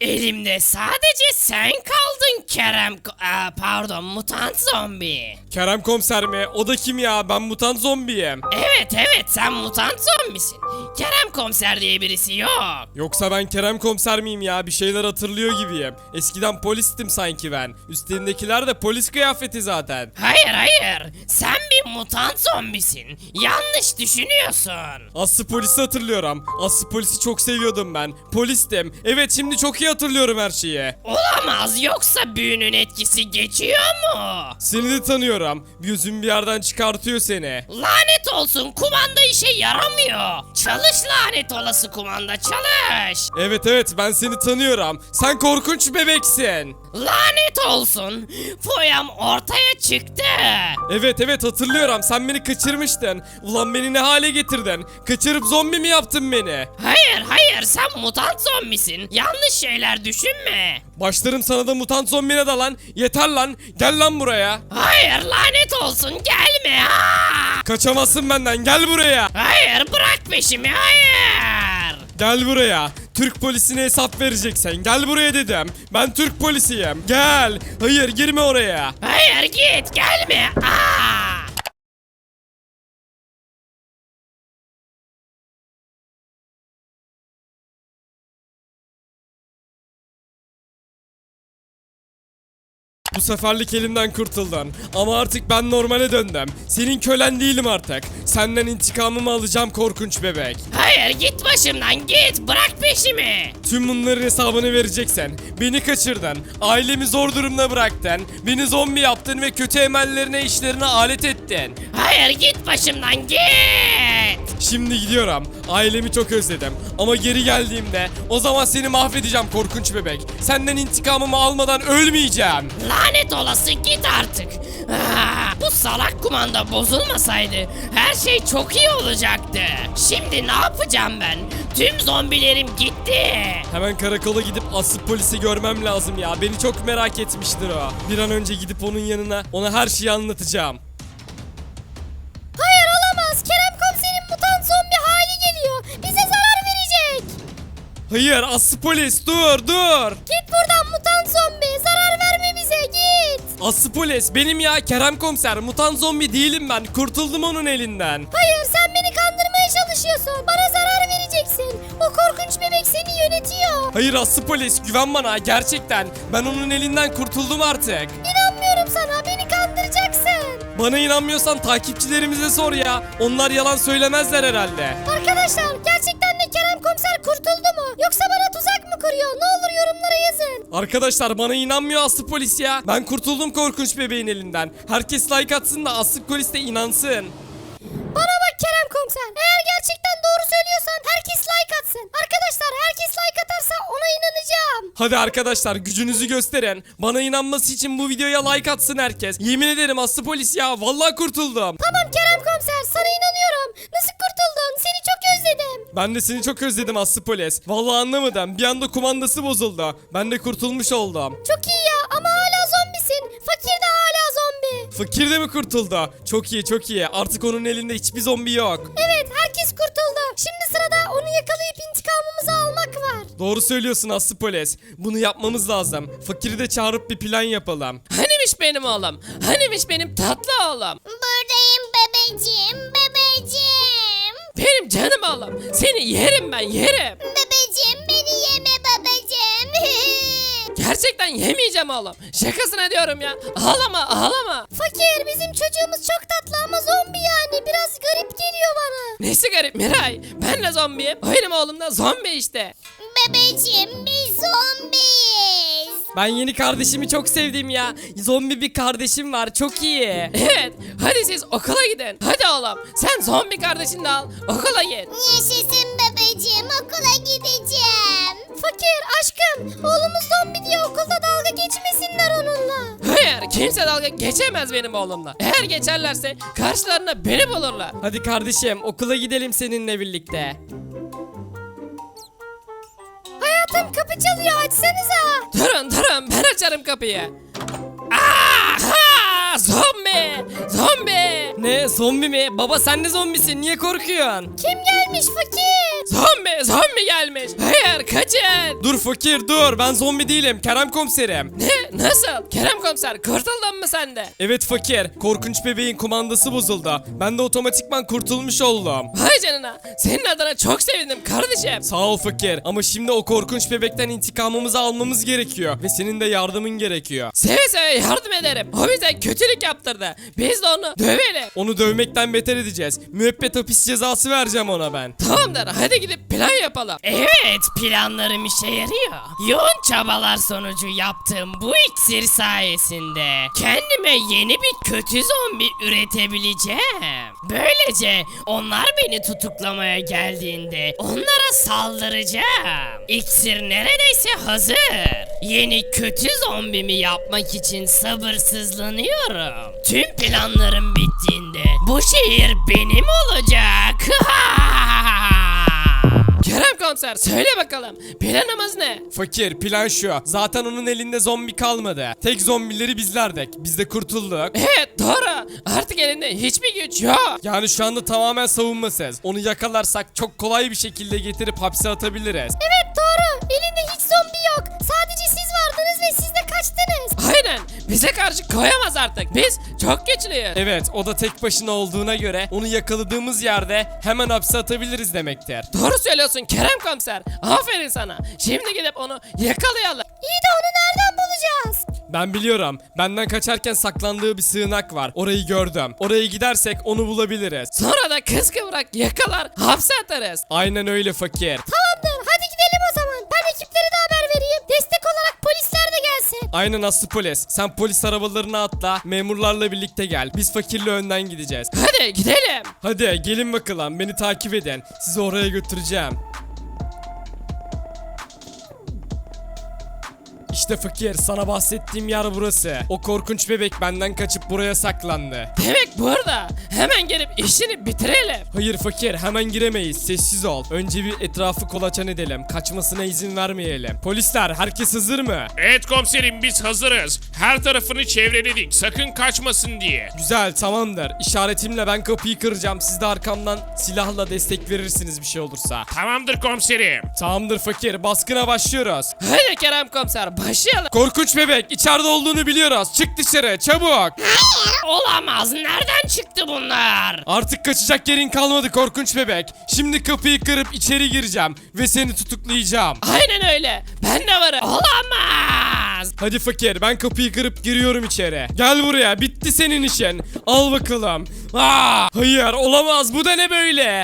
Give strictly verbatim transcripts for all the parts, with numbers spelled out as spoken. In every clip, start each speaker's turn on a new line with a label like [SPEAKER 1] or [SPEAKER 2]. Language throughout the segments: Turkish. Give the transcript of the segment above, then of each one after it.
[SPEAKER 1] Elimde sadece sen kaldın Kerem... Ko- Aa, pardon mutant zombi.
[SPEAKER 2] Kerem komiser mi? O da kim ya? Ben mutant zombiyim.
[SPEAKER 1] Evet evet sen mutant zombisin. Kerem komiser diye birisi yok.
[SPEAKER 2] Yoksa ben Kerem komiser miyim ya? Bir şeyler hatırlıyor gibiyim. Eskiden polistim sanki ben. Üstündekiler de polis kıyafeti zaten.
[SPEAKER 1] Hayır hayır sen bir mutant zombisin. Yanlış düşünüyorsun.
[SPEAKER 2] Aslı polisi hatırlıyorum. Aslı polisi çok seviyordum ben. Polistim. Evet şimdi çok iyi hatırlıyorum her şeyi.
[SPEAKER 1] Olamaz yoksa büyünün etkisi geçiyor mu?
[SPEAKER 2] Seni de tanıyorum. Gözüm bir yerden çıkartıyor seni.
[SPEAKER 1] Lanet olsun kumanda işe yaramıyor. Çalış lanet olası kumanda çalış.
[SPEAKER 2] Evet evet ben seni tanıyorum. Sen korkunç bebeksin.
[SPEAKER 1] Lanet olsun. Foyam ortaya çıktı.
[SPEAKER 2] Evet evet hatırlıyorum. Sen beni kaçırmıştın. Ulan beni ne hale getirdin? Kaçırıp zombi mi yaptın beni?
[SPEAKER 1] Hayır hayır sen mutant zombisin. Yanlış şeyler düşünme.
[SPEAKER 2] Başlarım sana da mutant zombine de lan. Yeter lan. Gel lan buraya.
[SPEAKER 1] Hayır lanet olsun gelme. Aa!
[SPEAKER 2] Kaçamazsın benden. Gel buraya.
[SPEAKER 1] Hayır bırak peşimi hayır.
[SPEAKER 2] Gel buraya. Türk polisine hesap vereceksin. Gel buraya dedim. Ben Türk polisiyim. Gel. Hayır girme oraya.
[SPEAKER 1] Hayır git gelme. Aa!
[SPEAKER 2] Bu seferlik elimden kurtuldun. Ama artık ben normale döndüm. Senin kölen değilim artık. Senden intikamımı alacağım korkunç bebek.
[SPEAKER 1] Hayır git başımdan git bırak peşimi.
[SPEAKER 2] Tüm bunların hesabını vereceksin. Beni kaçırdın. Ailemi zor durumda bıraktın. Beni zombi yaptın ve kötü emellerine işlerine alet ettin.
[SPEAKER 1] Hayır git başımdan git.
[SPEAKER 2] Şimdi gidiyorum. Ailemi çok özledim. Ama geri geldiğimde o zaman seni mahvedeceğim korkunç bebek. Senden intikamımı almadan ölmeyeceğim.
[SPEAKER 1] Lanet olası git artık. Aa, bu salak kumanda bozulmasaydı her şey çok iyi olacaktı. Şimdi ne yapacağım ben? Tüm zombilerim gitti.
[SPEAKER 2] Hemen karakola gidip asıl polisi görmem lazım ya. Beni çok merak etmiştir o. Bir an önce gidip onun yanına ona her şeyi anlatacağım.
[SPEAKER 3] Hayır olamaz. Kerem komiserin mutant zombi hali geliyor. Bize zarar verecek.
[SPEAKER 2] Hayır aslı polis dur dur.
[SPEAKER 3] Git buradan mutant zombi. Zarar verme bize git.
[SPEAKER 2] Aslı polis benim ya Kerem komiser. Mutant zombi değilim ben. Kurtuldum onun elinden.
[SPEAKER 3] Hayır sen beni kandırmaya çalışıyorsun. Bana zarar vereceksin. O korkunç bebek seni yönetiyor.
[SPEAKER 2] Hayır aslı polis güven bana gerçekten. Ben onun elinden kurtuldum artık.
[SPEAKER 3] İnanmıyorum sana. Beni kandıracaksın.
[SPEAKER 2] Bana inanmıyorsan takipçilerimize sor ya. Onlar yalan söylemezler herhalde.
[SPEAKER 3] Arkadaşlar gerçekten de Kerem komiser kurtuldu mu? Yoksa bana tuzak mı kuruyor? Ne olur yorumlara yazın.
[SPEAKER 2] Arkadaşlar bana inanmıyor aslı polis ya. Ben kurtuldum korkunç bebeğin elinden. Herkes like atsın da aslı polis de inansın.
[SPEAKER 3] Bana bak Kerem komiser. Eğer gerçekten doğru söylüyorsan herkes like atsın. Arkadaşlar herkes like atarsa ona inanacağım.
[SPEAKER 2] Hadi arkadaşlar gücünüzü gösterin. Bana inanması için bu videoya like atsın herkes. Yemin ederim aslı polis ya. Vallahi kurtuldum.
[SPEAKER 3] Tamam Kerem komiser sana inanıyorum. Nasıl kurtuldun? Seni çok özledim.
[SPEAKER 2] Ben de seni çok özledim aslı polis. Vallahi anlamadım. Bir anda kumandası bozuldu. Ben de kurtulmuş oldum.
[SPEAKER 3] Çok iyi ya ama hala zombisin. Fakir de hala zombi.
[SPEAKER 2] Fakir de mi kurtuldu? Çok iyi çok iyi. Artık onun elinde hiçbir zombi yok.
[SPEAKER 3] Evet herkes kurtuldu. Şimdi sırada onu yakalayıp intikamımızı almak var.
[SPEAKER 2] Doğru söylüyorsun aslı polis. Bunu yapmamız lazım. Fakiri de çağırıp bir plan yapalım.
[SPEAKER 1] Hanimiş benim oğlum? Hanimiş benim tatlı oğlum?
[SPEAKER 3] Buradayım bebeğim bebeğim.
[SPEAKER 1] Benim canım oğlum. Seni yerim ben yerim.
[SPEAKER 3] Bebeğim beni yeme babacığım.
[SPEAKER 1] Gerçekten yemeyeceğim oğlum. Şakasına diyorum ya. Ağlama ağlama.
[SPEAKER 3] Fakir bizim çocuğumuz çok tatlı ama zombi yani. Biraz garip geliyor bana.
[SPEAKER 1] Nesi garip Miray? Ben de zombiyim. Benim oğlum da zombi işte.
[SPEAKER 3] Bebeğim biz zombiyiz.
[SPEAKER 2] Ben yeni kardeşimi çok sevdim ya. Zombi bir kardeşim var çok iyi.
[SPEAKER 1] Evet. Hadi siz okula gidin. Hadi oğlum. Sen zombi kardeşini de al. Okula git.
[SPEAKER 3] Yaşasın bebeğim okula gideceğim. Fakir aşkım oğlumuz zombi diye okulda dalga geçmesinler onunla.
[SPEAKER 1] Hayır. Kimse dalga geçemez benim oğlumla. Eğer geçerlerse karşılarına beni bulurlar.
[SPEAKER 2] Hadi kardeşim okula gidelim seninle birlikte.
[SPEAKER 3] Hayatım kapı çalıyor açsanıza.
[SPEAKER 1] Durun durun ben açarım kapıyı. Aha! Zombi!
[SPEAKER 4] Zombi. Ne zombi mi? Baba sen de zombisin. Niye korkuyorsun?
[SPEAKER 3] Kim gelmiş fakir?
[SPEAKER 4] Zombi. Zombi gelmiş. Hayır kaçın.
[SPEAKER 2] Dur fakir dur, ben zombi değilim, Kerem komiserim.
[SPEAKER 4] Ne? Nasıl? Kerem komiser kurtuldun mu sen de?
[SPEAKER 2] Evet fakir, korkunç bebeğin kumandası bozuldu. Ben de otomatikman kurtulmuş oldum.
[SPEAKER 4] Vay canına. Senin adına çok sevindim kardeşim.
[SPEAKER 2] Sağ ol fakir, ama şimdi o korkunç bebekten intikamımızı almamız gerekiyor. Ve senin de yardımın gerekiyor.
[SPEAKER 4] Seve seve yardım ederim. O bize kötülük yaptırdı. Biz de onu dövelim.
[SPEAKER 2] Onu dövmekten beter edeceğiz. Müebbet hapis cezası vereceğim ona ben.
[SPEAKER 4] Tamamdır. Hadi gidip plan yapalım.
[SPEAKER 1] Evet, planlarım işe yarıyor. Yoğun çabalar sonucu yaptığım bu iksir sayesinde kendime yeni bir kötü zombi üretebileceğim. Böylece onlar beni tutuklamaya geldiğinde onlara saldıracağım. İksir neredeyse hazır. Yeni kötü zombimi yapmak için sabırsızlanıyorum. Tüm planlarım bittiğinde bu şehir benim olacak.
[SPEAKER 4] Kerem komiser söyle bakalım. Planımız ne?
[SPEAKER 2] Fakir, plan şu. Zaten onun elinde zombi kalmadı. Tek zombileri bizlerdik. Biz de kurtulduk.
[SPEAKER 4] Evet doğru. Artık elinde hiçbir güç yok.
[SPEAKER 2] Yani şu anda tamamen savunmasız. Onu yakalarsak çok kolay bir şekilde getirip hapse atabiliriz.
[SPEAKER 3] Evet doğru. Elinde hiç zombi yok. Sadece siz vardınız ve siz de kaçtınız.
[SPEAKER 4] Aynen. Bize karşı koyamaz artık. Biz çok güçlüyüz.
[SPEAKER 2] Evet, o da tek başına olduğuna göre onu yakaladığımız yerde hemen hapse atabiliriz demektir.
[SPEAKER 4] Doğru söylüyorsun Kerem komiser. Aferin sana. Şimdi gidip onu yakalayalım.
[SPEAKER 3] İyi de onu nereden bulacağız?
[SPEAKER 2] Ben biliyorum. Benden kaçarken saklandığı bir sığınak var. Orayı gördüm. Oraya gidersek onu bulabiliriz.
[SPEAKER 4] Sonra da kız kıvrak yakalar hapse atarız.
[SPEAKER 2] Aynen öyle fakir.
[SPEAKER 3] Tamamdır. Hadi gidelim o zaman. Ben ekiplere de haber vereyim. Destek olarak polisler de gelsin.
[SPEAKER 2] Aynen Aslı polis. Sen polis arabalarına atla. Memurlarla birlikte gel. Biz fakirle önden gideceğiz.
[SPEAKER 4] Hadi gidelim.
[SPEAKER 2] Hadi gelin bakalım. Beni takip edin. Sizi oraya götüreceğim. İşte fakir, sana bahsettiğim yer burası. O korkunç bebek benden kaçıp buraya saklandı.
[SPEAKER 4] Demek burada. Hemen gelip işini bitirelim.
[SPEAKER 2] Hayır fakir, hemen giremeyiz. Sessiz ol. Önce bir etrafı kolaçan edelim. Kaçmasına izin vermeyelim. Polisler, herkes hazır mı?
[SPEAKER 5] Evet komiserim, biz hazırız. Her tarafını çevreledik, sakın kaçmasın diye.
[SPEAKER 2] Güzel, tamamdır. İşaretimle ben kapıyı kıracağım. Siz de arkamdan silahla destek verirsiniz bir şey olursa.
[SPEAKER 5] Tamamdır komiserim.
[SPEAKER 2] Tamamdır fakir, baskına başlıyoruz.
[SPEAKER 4] Hadi Kerem komiser başlayalım.
[SPEAKER 2] Korkunç bebek, içeride olduğunu biliyoruz. Çık dışarı, çabuk.
[SPEAKER 1] Olamaz. Nereden çıktı bunlar?
[SPEAKER 2] Artık kaçacak yerin kalmadı korkunç bebek. Şimdi kapıyı kırıp içeri gireceğim ve seni tutuklayacağım.
[SPEAKER 4] Aynen öyle. Ben de varım.
[SPEAKER 1] Olamaz.
[SPEAKER 2] Hadi fakir, ben kapıyı kırıp giriyorum içeri. Gel buraya, bitti senin işin. Al bakalım. Aa, hayır, olamaz, bu da ne böyle?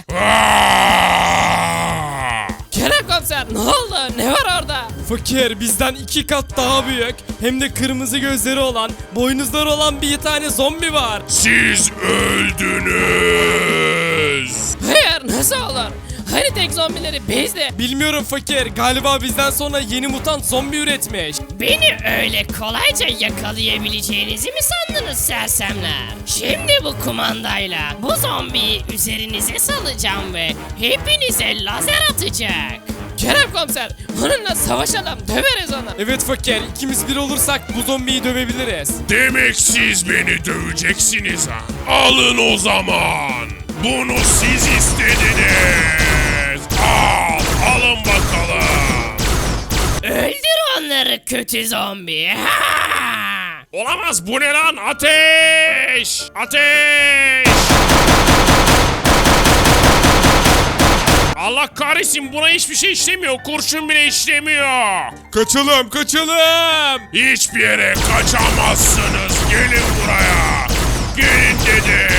[SPEAKER 4] Kerem komiser ne oldu? Ne var orada?
[SPEAKER 2] Fakir, bizden iki kat daha büyük, hem de kırmızı gözleri olan, boynuzları olan bir tane zombi var.
[SPEAKER 5] Siz öldünüz.
[SPEAKER 4] Hayır nasıl olur? Hani tek zombileri bizdi.
[SPEAKER 2] Bilmiyorum fakir, galiba bizden sonra yeni mutant zombi üretmiş.
[SPEAKER 1] Beni öyle kolayca yakalayabileceğinizi mi sandınız sersemler? Şimdi bu kumandayla bu zombiyi üzerinize salacağım ve hepinize lazer atacak.
[SPEAKER 4] Kerem komiser onunla savaşalım döveriz onu.
[SPEAKER 2] Evet fakir, ikimiz bir olursak bu zombiyi dövebiliriz.
[SPEAKER 5] Demek siz beni döveceksiniz ha. Alın o zaman. Bunu siz istediniz. Al, alın bakalım.
[SPEAKER 1] Öldür onları kötü zombi. Ha!
[SPEAKER 5] Olamaz, bu ne lan? Ateş! Ateş! Allah kahretsin, buna hiçbir şey işlemiyor. Kurşun bile işlemiyor.
[SPEAKER 2] Kaçalım, kaçalım.
[SPEAKER 5] Hiçbir yere kaçamazsınız. Gelin buraya. Gelin dedim.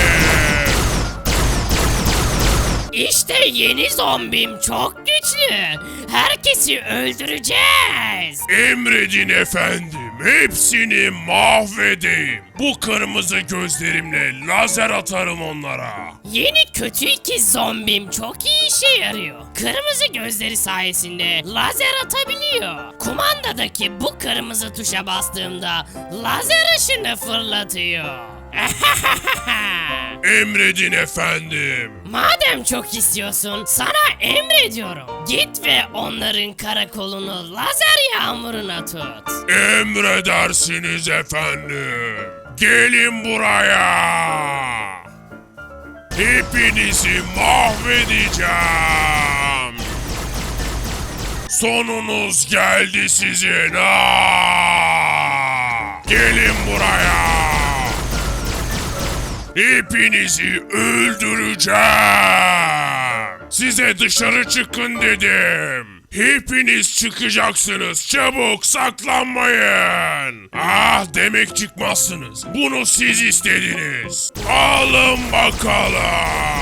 [SPEAKER 1] İşte yeni zombim çok güçlü. Herkesi öldüreceğiz.
[SPEAKER 5] Emredin efendim. Hepsini mahvedeyim. Bu kırmızı gözlerimle lazer atarım onlara.
[SPEAKER 1] Yeni kötü ikiz zombim çok iyi işe yarıyor. Kırmızı gözleri sayesinde lazer atabiliyor. Kumandadaki bu kırmızı tuşa bastığımda lazer ışını fırlatıyor.
[SPEAKER 5] Emredin efendim.
[SPEAKER 1] Madem çok istiyorsun, sana emrediyorum. Git ve onların karakolunu lazer yağmuruna tut.
[SPEAKER 5] Emredersiniz efendim. Gelin buraya. Hepinizi mahvedeceğim. Sonunuz geldi sizin. Aa! Gelin buraya. Hepinizi öldüreceğim. Size dışarı çıkın dedim. Hepiniz çıkacaksınız. Çabuk saklanmayın. Ah demek çıkmazsınız. Bunu siz istediniz. Alın bakalım.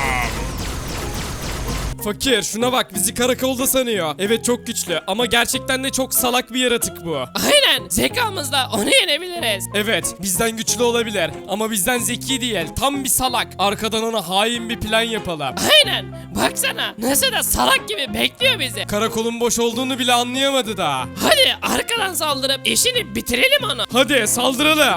[SPEAKER 2] Fakir şuna bak bizi karakolda sanıyor. Evet çok güçlü ama gerçekten de çok salak bir yaratık bu.
[SPEAKER 4] Aynen zekamızla onu yenebiliriz.
[SPEAKER 2] Evet bizden güçlü olabilir ama bizden zeki değil. Tam bir salak. Arkadan ona hain bir plan yapalım.
[SPEAKER 4] Aynen baksana nasıl da salak gibi bekliyor bizi.
[SPEAKER 2] Karakolun boş olduğunu bile anlayamadı daha.
[SPEAKER 4] Hadi arkadan saldırıp işini bitirelim onu.
[SPEAKER 2] Hadi saldıralım.